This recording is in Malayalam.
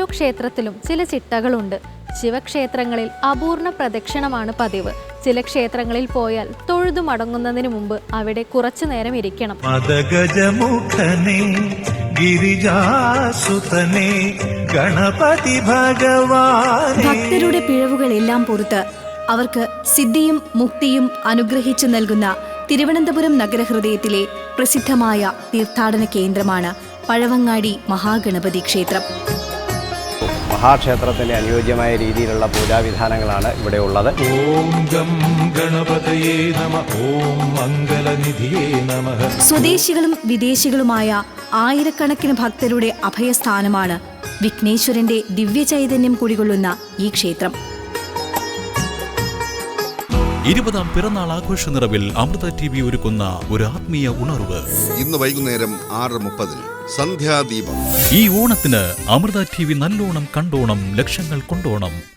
ക്ഷേത്രത്തിലും ചില ചിട്ടകളുണ്ട്. ശിവക്ഷേത്രങ്ങളിൽ അപൂർണ പ്രദക്ഷിണമാണ് പതിവ്. ചില ക്ഷേത്രങ്ങളിൽ പോയാൽ തൊഴുതു മടങ്ങുന്നതിന് മുമ്പ് അവിടെ കുറച്ചു നേരം ഇരിക്കണം. ഭക്തരുടെ പിഴവുകളെല്ലാം പുറത്ത് അവർക്ക് സിദ്ധിയും മുക്തിയും അനുഗ്രഹിച്ചു നൽകുന്ന തിരുവനന്തപുരം നഗരഹൃദയത്തിലെ പ്രസിദ്ധമായ തീർത്ഥാടന കേന്ദ്രമാണ് പഴവങ്ങാടി മഹാഗണപതി ക്ഷേത്രം. മഹാക്ഷേത്രത്തിന് അനുയോജ്യമായ രീതിയിലുള്ള പൂജാവിധാനങ്ങളാണ് ഇവിടെ ഉള്ളത്. ഓം ഗം ഗണപതയേ നമഃ, ഓം മംഗളനിധിയേ നമഃ. സ്വദേശികളും വിദേശികളുമായ ആയിരക്കണക്കിന് ഭക്തരുടെ അഭയസ്ഥാനമാണ് വിഘ്നേശ്വരന്റെ ദിവ്യചൈതന്യം കുടികൊള്ളുന്ന ഈ ക്ഷേത്രം. 20ാം പിറന്നാൾ ആഘോഷ നിറവിൽ അമൃത TV ഒരുക്കുന്ന ഒരു ആത്മീയ ഉണർവ്. ഇന്ന് വൈകുന്നേരം 6:30 സന്ധ്യാദീപം. ഈ ഓണത്തിന് അമൃത TV നല്ലോണം കണ്ടോണം, ലക്ഷങ്ങൾ കൊണ്ടോണം.